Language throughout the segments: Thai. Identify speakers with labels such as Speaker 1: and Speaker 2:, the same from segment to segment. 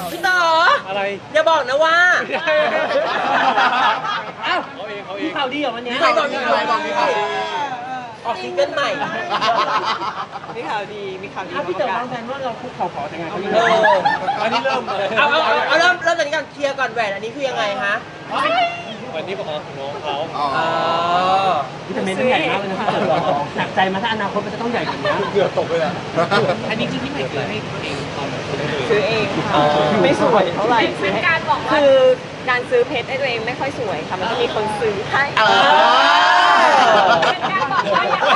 Speaker 1: พี่ต่อ
Speaker 2: อะไร
Speaker 1: อย่าบอกนะว่า
Speaker 2: อ้าวเขาเอง
Speaker 3: มีข่าวดีเหรอวันนี้
Speaker 1: ใครบอกมีข่าวดีออกซิงเกิลใหม่
Speaker 4: มีข่าวดี
Speaker 3: พี่เต๋อวางแผนว่าเราคุกเข่าขอแต่งงานเขายัง
Speaker 1: เอ
Speaker 3: ไง
Speaker 1: อ
Speaker 2: อันนี้เริ่มเลย
Speaker 1: เอาเริ่มจากนี้ก่อนเคลียร์ก่อนแหวนอันนี้คือยังไงฮะ
Speaker 2: วันนี้ของน้องเขา
Speaker 3: วิตามินต้องใหญ่มากเลยนะพี่เต๋อหนักใจมาถ้าอนาคตมันจะต้องใหญ่กว่านี้
Speaker 2: เกือบตกเลยอ่ะ
Speaker 5: อันนี้คือที่ใหม่ซื้อให้ตัวเองตอนไหน
Speaker 4: ซื้อเองค่ะไม่สวยเท่าไหร่คือการซื้อเพชรให้ตัวเองไม่ค่อยสวยค่ะมันต้องมีคนซื้อให้
Speaker 5: เป็นการบอกว่าอย่างไร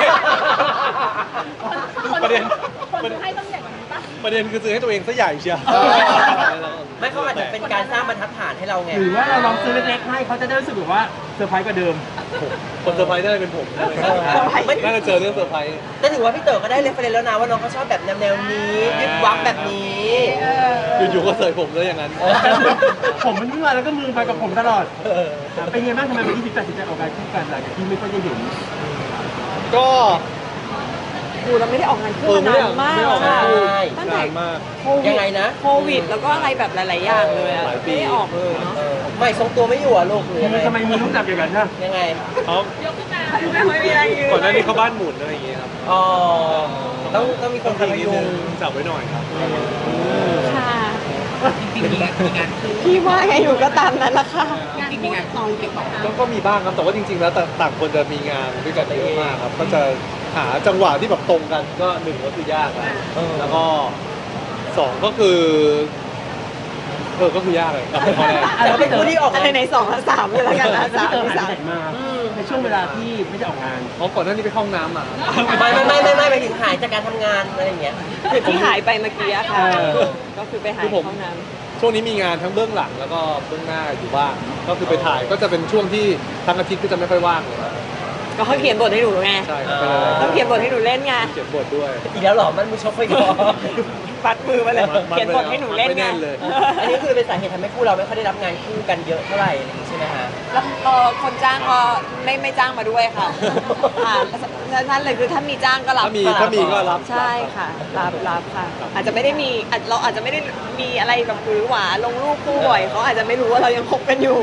Speaker 2: ประเด็น
Speaker 5: คนให้ต้องใหญ่กว่านี้ปะ
Speaker 2: ประเด็นคือซื้อให้ตัวเองซะใหญ่เชียว
Speaker 1: ไม่เขาอาจจะเป็นการสร้างบรรทัดฐานให้เราไง
Speaker 3: หรือว่าเราลองซื้อเล็กๆให้เขาจะได้รู้สึกแบบว่าเซอร์ไพรส์กว่าเดิม
Speaker 2: คนเซอร์ไพรส์น่าจะเป็นผมน่าจะเจอเรื่องเซอร์ไพรส์
Speaker 1: แต่ถือว่าพี่เต๋อก็ได้เรฟเฟรนซ์แล้วนะว่าน้องเขาชอบแบบแนวนี้วิบวับแบบนี้
Speaker 2: อยู่ๆก็เสยผมเลยอย่างนั้น
Speaker 3: ผมมันเมื่อแล้วก็มือไปกับผมตลอดเป็นไงบ้างทำไมวันที่ตัดสินใจออกการคู่กันหลังจากที่ไม่ค่อยได้เห็น
Speaker 2: ก็
Speaker 4: เราไม่ได้ออกงานคู่มานานมากค่ะตั้งแต่
Speaker 2: นานมาก
Speaker 1: ยังไงนะ
Speaker 4: โควิดแล้วก็อะไรแบบหลายๆอย่างเลยอะไม่ได้ออกเลยเนาะ
Speaker 1: ไม่ทรงตัวไม่อยู่อ่ะลูกหรือยังไง
Speaker 3: ทำไมมือลูกจับอย่างนั้นนะ
Speaker 1: ยังไง
Speaker 2: เขา
Speaker 4: ไม่มีอะไรยืน
Speaker 2: ก่อนหน้านี้เขาบ้านหมุนอะไรอย่างเงี้ยครับ
Speaker 1: อ๋อต้องมีคนคอยพยุง
Speaker 2: จับไว้หน่อยครับ
Speaker 4: ค่ะ
Speaker 5: จริงๆมีงานคู่
Speaker 4: พี่ว่าไงอยู่ก็ตามนั้นละค่ะ
Speaker 5: จริงๆมีงานคู่ติดต่อ
Speaker 2: ก็มีบ้างครับแต่ว่าจริงๆ แล้วต่างคนจะมีงานด้วยกันเยอะมากครับก็จะหาจังหวะที่แบบตรงกันก็หนึ่งก็คือยากอะแล้วก็สองก็คือก็คือยากเลยกับข้อแรก
Speaker 1: เราเป็นผู้ที่ออก
Speaker 4: อันไหนสองสามเลยละกันนะ
Speaker 3: พี่
Speaker 4: สาม
Speaker 3: เต๋อ
Speaker 4: ที่
Speaker 3: หาย
Speaker 4: สาม
Speaker 3: ไปไหนมาในช่วงเวลาที่ไม่ได้ออกงาน
Speaker 2: เพราะก่อนหน้านี้ไปเข้าห้องน้ำอ่ะ
Speaker 1: ไม่ไปถึงหายจากการทำงานอะไรอย่างเงี้ย
Speaker 4: คือที่หายไปเมื่อกี้อะค่ะ ก็คือไปหาย
Speaker 2: คือผม
Speaker 4: ห้องน้
Speaker 2: ช่วงนี้มีงานทั้งเบื้องหลังแล้วก็เบื้องหน้าอยู่บ้างก็คือไปถ่ายก็จะเป็นช่วงที่ทั้งอาทิตย์ก็จะไม่ค่อยว่างเลย
Speaker 4: ำก็เขาเขียนบทให้หนูไง
Speaker 2: ใช่ครับเป็นอะไร
Speaker 4: เขาเขียนบทให้หนูเล่นไง
Speaker 2: เขียนบทด้วย
Speaker 1: อีกแล้วเหรอมันมือชกไปก่อน
Speaker 4: ปัดมือมาเลย เขียนบทให้หนูเล่น
Speaker 2: ไม่
Speaker 4: ไง
Speaker 2: แน่นเลย
Speaker 1: อันนี้คือเป็นสาเหตุทำให้คู่เราไม่ค่อยได้รับงานคู่กันเยอะเท่าไหร่อะไรอย่างงี้ใช่ไหมฮะ
Speaker 4: แล้วคนจ้างก็ไม่จ้างมาด้วยค่ะนั่นเลยคือถ้ามีจ้างก็รับ
Speaker 2: ถ้ามีก็รับ
Speaker 4: ใช่ค่ะรับค่ะ อาจจะไม่ได้มีเราอาจจะไม่ได้มีอะไรแบบหวือหวาลงรูปคู่บ่อยเขาอาจจะไม่รู้ว่าเรายังคบกันอยู่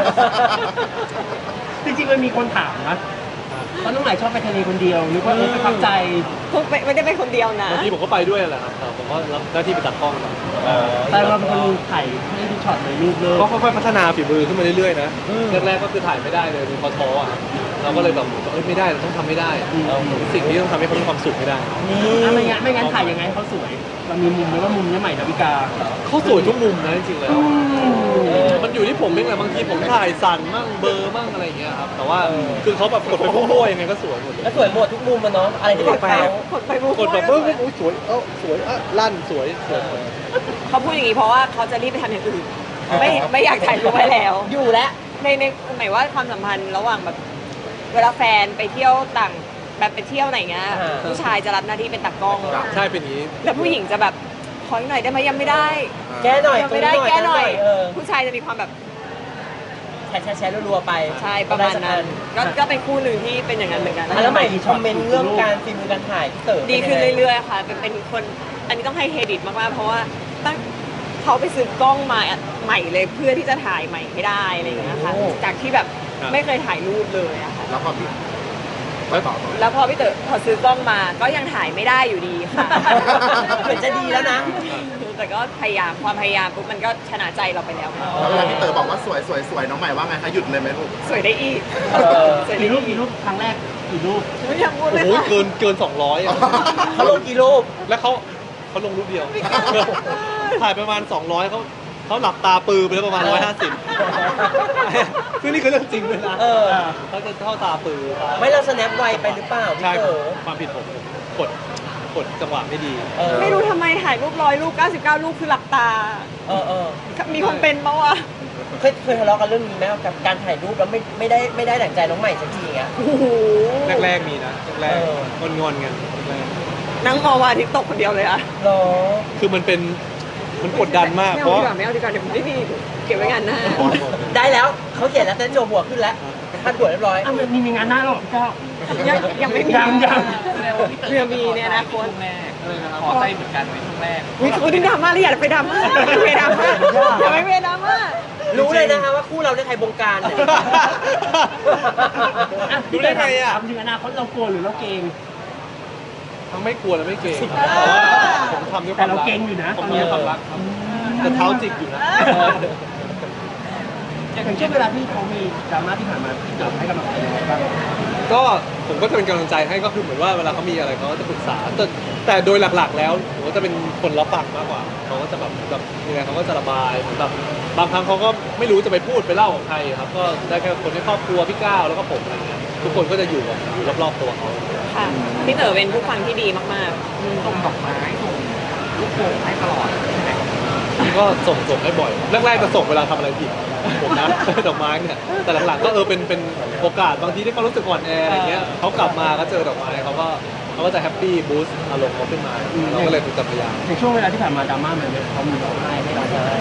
Speaker 3: จริงๆมันมีคนถามนะว่าน้องใหม่ชอบไปทะเลคนเดียวหรือว่าไปพักใจ
Speaker 4: ไม่ได้เป็นคนเดียวนะ
Speaker 2: บางทีผมก็ไปด้วยแหละครับแต่ผมก็รับหน้าที่ไปตัดกล้องครับ
Speaker 3: แต่เราเป็นคนถ่ายให้ทุกช็อตเลยรูปเลย
Speaker 2: ก็ค่อยๆพัฒนาฝีมือขึ้นมาเรื่อยๆนะแรกๆก็คือถ่ายไม่ได้เลยเป็นพอท้ออ่ะเราก็เลยแบบไม่ได้เราต้องทำไม่ได้สิ่งที่ต้องทำให้เขามีความสุขให้ได้
Speaker 3: ไม่งั้นถ่ายยังไงให้เขาสวยเรามีมุมไหมว่ามุมนี้ใหม่ดาวิกา
Speaker 2: เขาสวยทุกมุมนะจริงๆเลยมันอยู่ที่ผมเองแหละบางทีผมถ่ายสั่นมั่งเบลอร์มั่งอะไรอย่างเงี้ยครับแต่ว่าคือเขาแบบกดไปมั่วๆยังไงก็สวยหมดเลย
Speaker 1: แล้วสวยหมดทุกมุมมันเนาะอะไรที่เป็นเขา
Speaker 4: กดไปบุ๊ก
Speaker 2: กดแบบอุ้ยสวยสวยลั่นสวยหมด
Speaker 4: เขาพูดอย่างนี้เพราะว่าเขาจะรีบไปทำอย่างอื่นไม่อยากถ่ายรูปไว้แล้ว
Speaker 1: อยู่แล้ว
Speaker 4: ในหมายว่าความสัมพันธ์ระหว่างแบบเวลาแฟนไปเที่ยวต่างแบบไปเที่ยวไหนเงี้ยผู้ชายจะรับหน้าที่เป็นตากล้อง
Speaker 2: ใช่เป็นอย่างนี้
Speaker 4: แล้วผู้หญิงจะแบบขออีกหน่อยได้ไหมยังไม่ได้
Speaker 1: แก้หน่อย
Speaker 4: ยังไม่ได้แก้หน่อย
Speaker 1: เออ
Speaker 4: ผู้ชายจะมีความแบบ
Speaker 1: แชร์รัวๆไป
Speaker 4: ใช่ประมาณนั้นก็เป็นคู่หนึ่งที่เป็นอย่างนั้นเหมือนกัน
Speaker 1: แล้วใหม่คอมเมนต์เรื่องการฟิล์มการถ่ายพี่เต๋อ
Speaker 4: ดีขึ้นเรื่อยๆค่ะเป็นคนอันนี้ต้องให้เครดิตมากๆเพราะว่าตั้งเขาไปซื้อกล้องมาใหม่เลยเพื่อที่จะถ่ายใหม่ให้ได้อะไรอย่างเงี้ยค่ะจากที่แบบไม่เคยถ่ายรูปเลยอะค่ะ
Speaker 6: แล้วพอพี่
Speaker 4: แล้วพอพี่เต๋อพอซื้อกล้องมาก็ยังถ่ายไม่ได้อยู่ดีค่ะ
Speaker 1: เหมือนจะดีแล้วนะ
Speaker 4: แต่ก็พยายามความพยายามปุ๊บมันก็ชนะใจเราไปแล้ว
Speaker 6: แล้วเวลาพี่เต๋อบอกว่าสวยสวยสวยน้องใหม่ว่าไงคะหยุดเลยไหมลูก
Speaker 4: สวยได้อีกสวยได้
Speaker 3: กี่รูปครั้งแรกกี่รูป
Speaker 4: ไม่อยากพูดเลย
Speaker 2: โอ้โห
Speaker 4: ค่ะ
Speaker 2: เกิน200อ่ะ
Speaker 1: เขาลงกี่รูป
Speaker 2: แล้วเขาลงรูปเดียว ถ่ายประมาณ200เขาหลับตาปือไปแล้วประมาณ150ซึ่งนี่คือเรื่องจริงเลยนะเขาจะเข้าตาปือ
Speaker 1: ไม่เราสแนปไวไปหรือเปล่าพี่
Speaker 2: ใช่
Speaker 1: เต๋อ
Speaker 2: ความผิดผมกดจังหวะไม่ดี
Speaker 4: ไม่รู้ทำไมถ่ายรูป100รูป99รูปคือหลับตา มีคนเป็นปะวะ
Speaker 1: เคยทะเลาะกันเรื่องนี้ไหมกับการถ่ายรูปแล้วไม่ได้ดั่งใจน้องใหม่สักทีอ่ะ
Speaker 4: โอ้โห
Speaker 2: แรกๆมีนะแรกๆงอนกันแรก
Speaker 4: นั่งมองวันอาทิตย์ตกคนเดียวเลยอะ
Speaker 1: หรอ
Speaker 2: คือมันกดดันมากเพราะ
Speaker 4: ไม่เอาดีกว่าเดี๋ยวไม่มีเก็บไว้งานหน้า
Speaker 1: ได้แล้วเขาเขียนแล้วเต้นโจหัวขึ้นแล้วพันหัวเรียบร้อย
Speaker 3: มีงานหน้าหรอพี่เจ้า
Speaker 4: ยังไม่มี
Speaker 3: ยัง
Speaker 4: เรือมีเนี่ยนะคน
Speaker 5: แรก
Speaker 2: อะไรนะครับ
Speaker 5: ขอใจเหมือนกันในช่วงแรก
Speaker 4: อุ๊ยคุณดราม่าเลยอย่าไปดราม่าอย่าไปดราม่าอย่าไปดราม่า
Speaker 1: รู้เลยนะคะว่าคู่เราได้ใครบงการเนี่ย
Speaker 2: รู้ได้ไงอ่ะ
Speaker 3: ถามถึงอนาคตเรากลัวหรือเราเกรง
Speaker 2: ทั้งไม่กลัวและไม่เกรงเพราะว่าผมทำด้วยค
Speaker 3: แต่
Speaker 2: วาม
Speaker 3: เรา
Speaker 2: รัก
Speaker 3: เกรงอยู่นะ
Speaker 2: ผม
Speaker 3: ตอนเนี้ย
Speaker 2: ทำด้วยความรักครับแต่เท้าจิกอยู่นะ
Speaker 3: อย่างเช่นเวลาที่เขามีดราม่าที่ผ่านมาที่เราให้กำลังใจยังไงบ้าง
Speaker 2: ก็ผมก็จะเป็นกำลังใจให้ก็คือเหมือนว่าเวลาเขามีอะไรเขาก็จะปรึกษาแต่โดยหลักๆ แล้วผมก็จะเป็นคนรับฟังมากกว่าเขาก็จะแบบยังไงเขาก็จะระบายเหมือนแบบบางครั้งเขาก็ไม่รู้จะไปพูดไปเล่าของใครครับก็ได้แค่คนในครอบครัวพี่ก้าวแล้วก็ผมอะไรเงี้ยทุกคนก็จะอยู่รอบๆตัวเขา
Speaker 4: ค่ะพี่เต๋อเป็นผู้ฟังที่ดีมากๆ
Speaker 5: ส่งดอกไม้ส่งลูกโป่งให้ตลอดใช่ไหม
Speaker 2: ก็ส่งให้บ่อยแรกๆจะส่งเวลาทำอะไรผิดผมนะ ดอกไม้เนี่ยแต่หลังๆก็เป็นโอกาสบางทีที่เขารู้สึกอ่อนแออะไรเงี้ยเขากลับมาก็เจอดอกไม้เขาก็จะแฮปปี้บูสต์อารมณ์เขาขึ้นมาเราก็เลยเป็นพยายาม
Speaker 3: ในช่วงเวลาที่ผ่านมาดราม่ามันเนี่ยเขามีร้องไห้ให้เราได้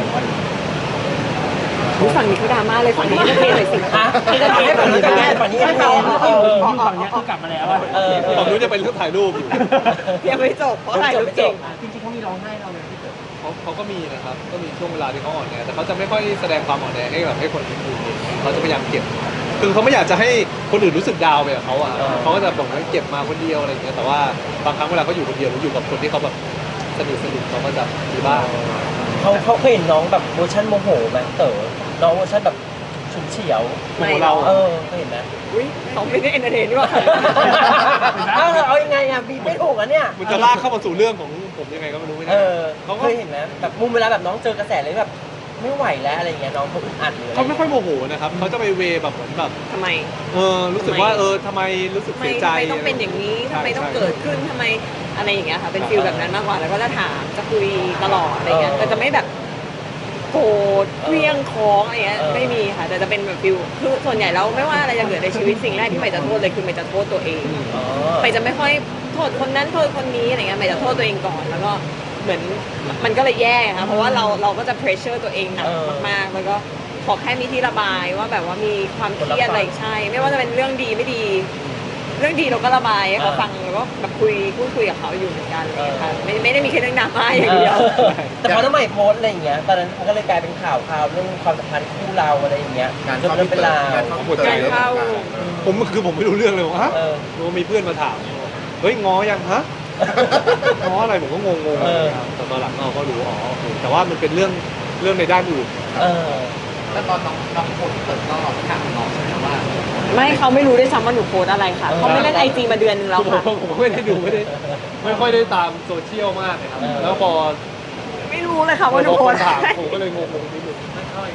Speaker 4: ผู้ฝั่งนี้เขาดราม่าเลยฝั่งนี้ก็เทเลยสิ
Speaker 1: อ่ะให้กันให้ฝั่งนี้กันแน่ฝั่งนี้กัน
Speaker 3: ให้
Speaker 1: แน่
Speaker 3: เขาอยู่ฝั่งเนี้ยคือกลับมาแล้วอะ
Speaker 2: ฝั่งนู้นจะเป็นเรื่องถ่ายรูปอยู่
Speaker 4: ยังไม่จบเพราะถ่ายรูปเก่ง
Speaker 3: จริงๆเขามีร้องไห้เราเลยที่เกิด
Speaker 2: เขาก็มีนะครับก็มีช่วงเวลาที่เขาอ่อนแอแต่เขาจะไม่ค่อยแสดงความอ่อนแอให้คนอื่นเห็นเขาจะพยายามเก็บคือเขาไม่อยากจะให้คนอื่นรู้สึกดาวน์ไปกับเขาอ่ะเขาก็จะบอกว่าเก็บมาคนเดียวอะไรอย่างเงี้ยแต่ว่าบางครั้งเวลาเขาอยู่คนเดียวหรืออยู่กับคนที่เขาแบบสนิทเขาก็จะมีบ้าง
Speaker 1: เขาเคยเห็นน้องแบบเวอร์ชันโมโหไหมเต๋อน้องเวอร์ชันแบบฉุนเฉียว
Speaker 4: ไม่
Speaker 2: เรา
Speaker 1: เคยเห็นไหม
Speaker 4: อุ้ยเขาไม่ได้เอนเตอร์เทนด้วย
Speaker 1: เอายังไงอ่ะบีบไม่ถูกอ่ะเนี่ย
Speaker 2: มันจะลากเข้ามาสู่เรื่องของผมยังไงก็ไม่รู้ไม่
Speaker 1: เอ
Speaker 2: ได้
Speaker 1: อ
Speaker 2: เขาก็
Speaker 1: เคยเห็นไหมแบบมุมเวลาแบบน้องเจอกระแสเลยแบบไม่ไหวแล้วอะไรเงี้ยน้องเขาอึดอัดหรืออะไร
Speaker 2: เขาไม่ค่อยโมโหนะครับเขาจะไปเวแบบเหมือนแบบ
Speaker 4: ทำไม
Speaker 2: รู้สึกว่าทำไมรู้สึก
Speaker 4: ทำไม
Speaker 2: เสียใจ
Speaker 4: ต้องเป็นอย่างนี้ทำไมต้อง
Speaker 2: ใช่
Speaker 4: เกิดขึ้นทำไมอะไรอย่างเงี้ยค่ะเป็นฟิลแบบนั้นมากกว่าแล้วก็จะถามจะคุยตลอดอะไรเงี้ยแต่จะไม่แบบโกรธเครี้ยงค้องอะไรเงี้ยไม่มีค่ะแต่จะเป็นแบบฟิลคือส่วนใหญ่แล้วไม่ว่าอะไรจะเกิดในชีวิตสิ่งแรกที่ใหม่จะโทษเลยคือใหม่จะโทษตัวเอง
Speaker 1: อ๋อ
Speaker 4: ใหม่จะไม่ค่อยโทษคนนั้นโทษคนนี้อะไรเงี้ยใหม่จะโทษตัวเองก่อนแล้วก็เหมือนมันก็เลยแย่ค่ะเพราะว่าเราก็จะ pressure ตัวเองหนักมากๆแล้วก็ขอแค่มีที่ระบายว่าแบบว่ามีความเครียดอะไรใช่ ไม่ว่าจะเป็นเรื่องดีไม่ดี เรื่องดีเราก็ระบายให้เขาฟังแล้วก็แบบพูดคุยกับเขาอยู่เหมือนกันอะไรเลยค่ะไม่ได้มีแค่เรื่องดราม่าอย่างเดียว
Speaker 1: แต่พอน้องใหม่โพสต์อะไรอย่างเงี้ยตอนนั้นมันก็เลยกลายเป็นข่าวเรื่องความสัมพันธ์คู่เราอะไรอย่างเงี้ย
Speaker 6: งาน
Speaker 1: จน
Speaker 6: เข้า
Speaker 1: เรื่องเป็นราว
Speaker 6: งานเข้า
Speaker 2: หมดใจ
Speaker 4: งานเข้า
Speaker 2: ผมไม่รู้เรื่องเลยว่าฮะ
Speaker 1: เออ
Speaker 2: รู้ว่ามีเพื่อนมาถามเฮ้ยง้อยังฮะ ง้ออะไรผมก็งงๆ
Speaker 1: เออ
Speaker 2: แต่ตอนหลังก็รู้อ๋อโอเคแต่ว่ามันเป็นเรื่องในด้านอื่น
Speaker 1: เออ
Speaker 5: แล้วตอนน้องคนเปิดก็ถามน้องใช่ไหมว่า
Speaker 4: ไม่เขาไม่รู้ด้วยซ้ำว่าหนูโพสต์อะไรค่ะเขาไม่เล่นไอจีมาเดือนนึงแล้วค่ะ
Speaker 2: ผมไม่ได้ดูไม่ค่อยได้ตามโซเชียลมากเลยครับ
Speaker 1: เออ
Speaker 2: แล้วพอ
Speaker 4: ไม่รู้เลยค่ะว่าหนู
Speaker 2: พอ
Speaker 4: โพ
Speaker 2: ค
Speaker 4: ส
Speaker 2: น
Speaker 4: ต์
Speaker 2: ถาม
Speaker 4: อะไร
Speaker 2: ผมก็เลยงงๆนิดนึง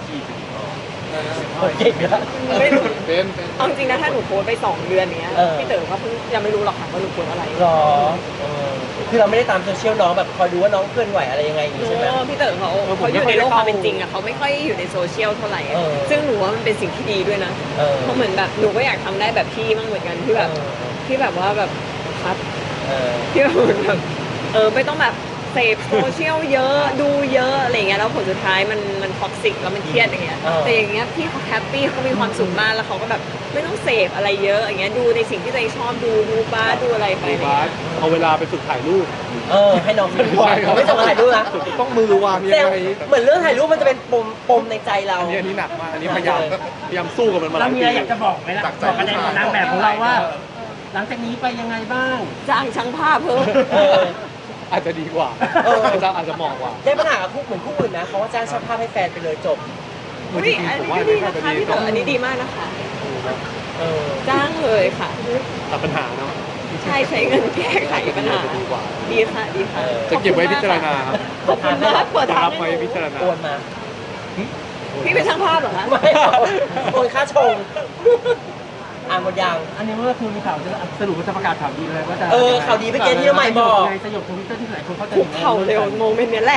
Speaker 1: เก่งนะ
Speaker 4: ไม่รู้
Speaker 2: เป็น
Speaker 4: เอาจริงนะถ้าหนูโพสต์ไป2 เดือนเนี้ย
Speaker 1: เออ
Speaker 4: พี่เต๋อเขาเพิ่งยังไม่รู้หรอกค่ะว่าหนูโพสต์อะไร
Speaker 1: หรอเออคือเราไม่ได้ตามโซเชียลน้องแบบคอยดูว่าน้องเคลื่อนไหวอะไรยังไงอย่างงี้ใช่ไหม
Speaker 4: พี่เต๋อเขาอยู่ในโลกความเป็นจริงอะเขาไม่ค่อยอยู่ในโซเชียลเท่าไหร่อะ
Speaker 1: เออ
Speaker 4: ซึ่งหนูว่ามันเป็นสิ่งที่ดีด้วยนะ
Speaker 1: เออ
Speaker 4: เพราะเหมือนแบบหนูก็อยากทำได้แบบพี่มั่งเหมือนกันที่แบบว่าแบบคัด
Speaker 1: เออ
Speaker 4: ที่แบบเหมือนแบบไม่ต้องแบบเสพโซเชียลเยอะดูเยอะอะไรเงี้ยแล้วผลสุดท้ายมันท็อกซิกแล้วมันเครียดอย่างเงี้ยแต่อย่างเงี้ยพี่เขาแฮปปี้เขามีความสุขมากแล้วเขาก็แบบไม่ต้องเสพอะไรเยอะอย่างเงี้ยดูในสิ่งที่ตัวเองชอบดูบ้าสดูอะไรไป
Speaker 2: ดู
Speaker 4: อะไร
Speaker 2: บา
Speaker 4: เงี้
Speaker 2: ส
Speaker 4: ย
Speaker 2: เอาเวลาไปฝึกถ่ายรูป
Speaker 1: ให้น้องเคลื่อนไหวเขาไม่จะมาถ่ายรูปนะ
Speaker 2: ต้องมือวางยัง
Speaker 1: แต่
Speaker 2: ไง
Speaker 1: เหมือนเรื่องถ่ายรูปมันจะเป็นปมในใจเรา
Speaker 2: อันนี้หนักมากอันนี้พยายามสู้กับมันมาห
Speaker 3: เรา
Speaker 2: ลาย
Speaker 3: มี
Speaker 2: ปี
Speaker 3: อะไรอยากจะบอกไหมล่ะบอกกันในนางแบบของเราว่า หลังจากนี้ไปยังไงบ้าง
Speaker 4: จ้างช่างภาพเพิ่ม
Speaker 1: เออ
Speaker 2: อาจจะดีกว่า
Speaker 1: เออ
Speaker 2: อาจจะเหมาะกว่า
Speaker 1: ได้ปัญหากับคู่เหมือนคู่อื่นนะเขาว่าจ้างช่างภาพให้แฟนไปเลยจบ
Speaker 4: อุ๊ยอันนี้ก็ดีนะคะพี่เต๋ออันนี้ดีมากนะคะ
Speaker 1: เออ
Speaker 4: จ้างเลยค่ะ
Speaker 2: ตัดปัญหาเนาะ
Speaker 4: ใช่ใช้เงินแก้ไขปัญหา
Speaker 2: ดีกว่า
Speaker 4: ดีค่ะดีค่ะ
Speaker 2: จะเก็บไว้พิจารณาครับ
Speaker 4: ขอบคุณมากเปิด
Speaker 2: จะ
Speaker 4: ทาง
Speaker 2: รับ
Speaker 4: ให้
Speaker 2: ไว้
Speaker 4: หนู
Speaker 2: พิจารณา
Speaker 1: โอนมา
Speaker 4: พี่เป็นช่างภาพเหรอคะ
Speaker 1: ไม่โอนค่าชงหมดยัง
Speaker 3: อันนี้มันก็คือมีข่าวจะสรุปว่าจะประกาศข่าวดีเลยว่าจะ
Speaker 1: ข่าวดีเมื่อกี้ที่น้องใหม่บอก
Speaker 3: ในสยบทวิตเตอร์ที่หลายคนเขาใจ
Speaker 4: คุกเข่าเร็วโมเมนต์เนี้ยแหละ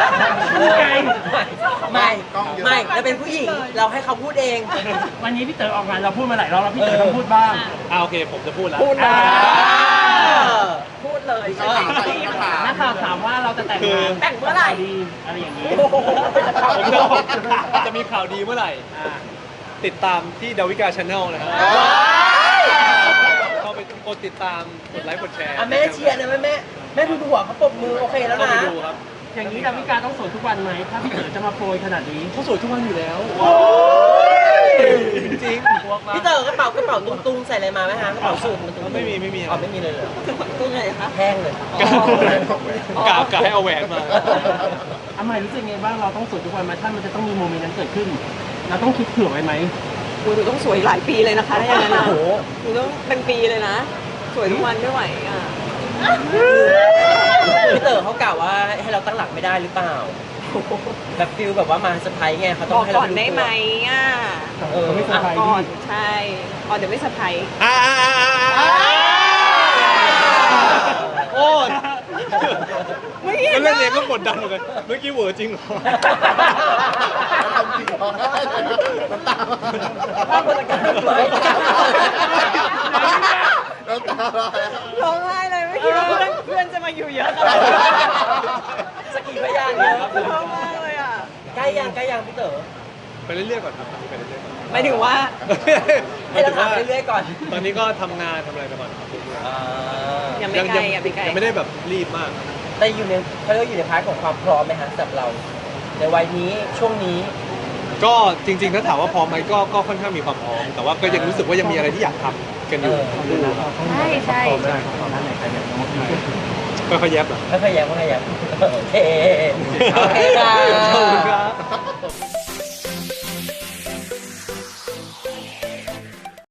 Speaker 1: ไม่เราเป็นผู้หญิงเราให้เขาพูดเอง
Speaker 3: วันนี้พี่เต๋อออกงานเราพูดมาหลายรอบแล้วพี่เต๋อต้องพูดบ้าง
Speaker 2: โอเคผมจะพูดแล้ว
Speaker 4: พูดเลย พูดเลย
Speaker 3: นักข่าวถามว่าเราจะแต่งงาน
Speaker 4: แต่งเมื่อไหร่
Speaker 3: ดีอะไรอย่างนี้
Speaker 2: ผมจะบอกจะมีข่าวดีเมื่อไหร่ ติดตามที่ดาวิกาชาแนลนะครับเข้าไปกดติดตามกดไลค์กดแชร์
Speaker 1: อ่ะแม่เชียร์นะแม่ดูหัวเขาปรบมือโอเคแล้ว
Speaker 2: เข้า
Speaker 1: นะ
Speaker 2: ไปดูครับ
Speaker 3: อย่างนี้ดาวิกาต้องโสดทุกวันไหมถ้าพี่เต๋อจะมาโปรยขนาดนี้
Speaker 2: เขาสวยทุกวันอยู่แล้ว
Speaker 1: โอ้ย
Speaker 2: จริงๆพวก
Speaker 1: พี่เต๋อกระเป๋ตุ้งๆใส่อะไรมาไหมฮะกระเป๋าสูทมันตุ้งๆ
Speaker 2: ไม่มี
Speaker 1: อ๋อไม่มีเลยเหรอ
Speaker 4: ตัวไหนคะ
Speaker 1: แห้งเลย
Speaker 2: กะให้เอาแหวนมา
Speaker 3: อาใหม่รู้สึกไงบ้างเราต้องโสดทุกวันไหมถ้ามันจะต้องมีโมเมนต์นั้นเกิดขึ้น เราต้องคิดเผื่อไว้ไหม
Speaker 4: หนูต้องสวยหลายปีเลยนะคะถ้าอย่างนั้นนะ
Speaker 1: โอ้โห
Speaker 4: หนูต้องเป็นปีเลยนะ สวยทุกวันไม่ไหวอ่ะ
Speaker 1: พี่เต๋อเขากล่าวว่าให้เราตั้งหลักไม่ได้หรือเปล่าแบบฟิลแบบว่ามาเซอร์ไพรส์ไงเขาต้
Speaker 4: บ
Speaker 1: อ
Speaker 4: อง ก
Speaker 1: ให้
Speaker 4: ก่
Speaker 1: เรา
Speaker 4: อนได้ไหมอ่ะ
Speaker 3: เขาไม่สบาย
Speaker 4: ก่
Speaker 3: ดี
Speaker 4: อนใช่อ๋อเดี๋ยวไม่สะพาย
Speaker 2: โอ้ย
Speaker 4: ไม่เห็
Speaker 2: ก็
Speaker 4: น
Speaker 2: เล่นเอง
Speaker 4: นะ
Speaker 2: ก็กดดันเหมือนกัน เมื่อกี้เหวอจริงเหรอ
Speaker 6: ทำจริงเหรอน้ำตา
Speaker 1: ภาพบรรยากาศสวย
Speaker 6: น้ำตา
Speaker 4: ร้องไห้เลยไม่คิดว่าเพื่อนจะมาอยู่เยอะขนาดนี้
Speaker 1: สกีพยานเนี่ยครับ
Speaker 4: ร้องมากเลยอ่ะ
Speaker 1: ใกล้ยังพี่เต๋อ
Speaker 2: ไปเรื่อยๆก่อนครับไปเรื่อยๆก่อน
Speaker 4: หมายถึงว่า
Speaker 1: ให้เราถามไปเรื่อยๆก่อน
Speaker 2: ตอนนี้ก็ทำงานทำอะไรไปก่อนครับ
Speaker 4: ยังไม่ไกลอ่ะไม่ไกล
Speaker 2: ยังไม่ได้แบบรีบมาก
Speaker 1: แต่อยู่ในเขาเรียกว่าอยู่ในพาร์ทของความพร้อมไหมฮะสำหรับเรา ในวัยนี้ช่วงนี้
Speaker 2: ก็จริงๆถ้าถามว่าพร้อมไหมก็ค่อนข้างมีความพร้อม แต่ว่าก็ยังรู้สึกว่ายังมีอะไรที่อยากทำกันอยู่
Speaker 4: ใช่ใช่
Speaker 2: ค่อยๆแยบเหรอ
Speaker 1: ไม่พยายามโอเค โอเคครั
Speaker 2: ขอบคุณครับ
Speaker 1: บ